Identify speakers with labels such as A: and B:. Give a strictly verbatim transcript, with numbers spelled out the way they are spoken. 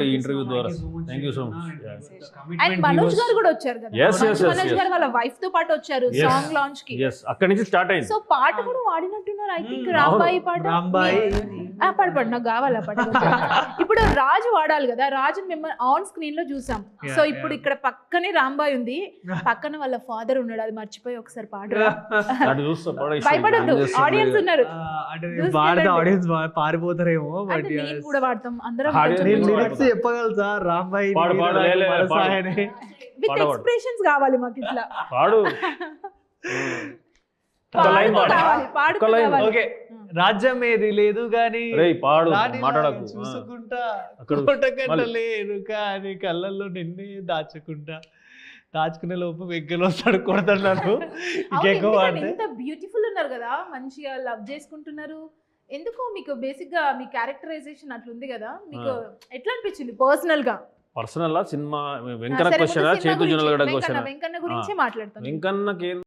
A: ఈ ఇంటర్వ్యూ ద్వారా. Thank you so much.
B: And Manoj గారు కూడా వచ్చారు కదా,
A: Yes, yes, yes,
B: Manoj
A: yes.
B: గారు వాళ్ళ వైఫ్ తో పాటు వచ్చారు
A: Yes.
B: సాంగ్ లాంచ్ కి.
A: ఎస్, అక్కడి నుంచి స్టార్ట్ అయింది.
B: సో పాట కూడా వాడినట్టున్నారు ఐ థింక్,
C: Hmm.
B: రాంబాయి పాట.
C: రాంబాయి.
B: ఆ, పాడు పాడు, నాకు కావాలా పాట కొంచెం. ఇప్పుడు రాజు వాడాలి కదా, రాజు మిమ్మల్ని ఆన్ స్క్రీన్ లో చూసాం.
C: Yeah,
B: సో ఇప్పుడు
C: yeah.
B: ఇక్కడ పక్కనే రాంబాయి ఉంది, పక్కన వాళ్ళ ఫాదర్ ఉన్నాడు, అది మర్చిపోయి ఒకసారి పాడు.
A: అటు చూస్తా పడేసి
B: భయపడద్దు,
A: ఏం చేస్తాం
B: ఆడియన్స్
A: లేదు.
B: ఉన్నారు.
C: అంటే
B: చూసుకెళ్ళండి.
C: వాడితే ఆడియన్స్ పారిపోతారేమో. బట్
B: అంటే నేను కూడా వాడతాం అందరం
A: Audience
B: కొంచెం
A: నేను
B: కొంచెం.
C: లిరిక్స్ చెప్పగలుగుతా రాంబాయి
A: పాడు, పాడు, లే, లే, పాడు.
B: విత్
A: పాడవాడు.
B: ఎక్స్ప్రెషన్స్ కావాలి మాకు ఇట్లా.
A: పాడు. ఒక లైన్
B: పాడుతూ
A: పాడు.
B: కావాలి, పాడుతూ
A: ఒక లైన్.
B: కావాలి.
C: ఓకే, రాజ్యం ఏది లేదు గాని
A: రేయ్ పాడు,
C: రాణిలా
A: మాట్లాడకు.
C: చూసుకుంటా
A: అక్కడ
C: కోట
A: మళ్ళీ.
C: కట్టలేరు కానీ కళ్ళల్లో నిన్నే దాచుకుంటా, దాచుకునే లోపు వెగ్గలు వస్తాడు కొడతాడు.
B: అవును,
C: ఇంకెక్కువ
B: ఎందుకంటే
C: అంటే
B: ఇంత బ్యూటిఫుల్ ఉన్నారు కదా, మంచిగా లవ్ చేసుకుంటున్నారు. ఎందుకు మీకు బేసిక్ గా మీ క్యారెక్టరైజేషన్ అట్లుంది కదా, మీకు ఎట్లా అనిపించింది పర్సనల్ గా?
A: పర్సనల్ లా సినిమా వెంకన్న
B: సరే, ముందు
A: క్వశ్చన్
B: సినిమా
A: చేతు
B: గురించి,
A: జునలగడ
B: వెంకన్న
A: క్వశ్చన్
B: వెంకన్న గురించి మాట్లాడతాను.
A: వెంకన్నకి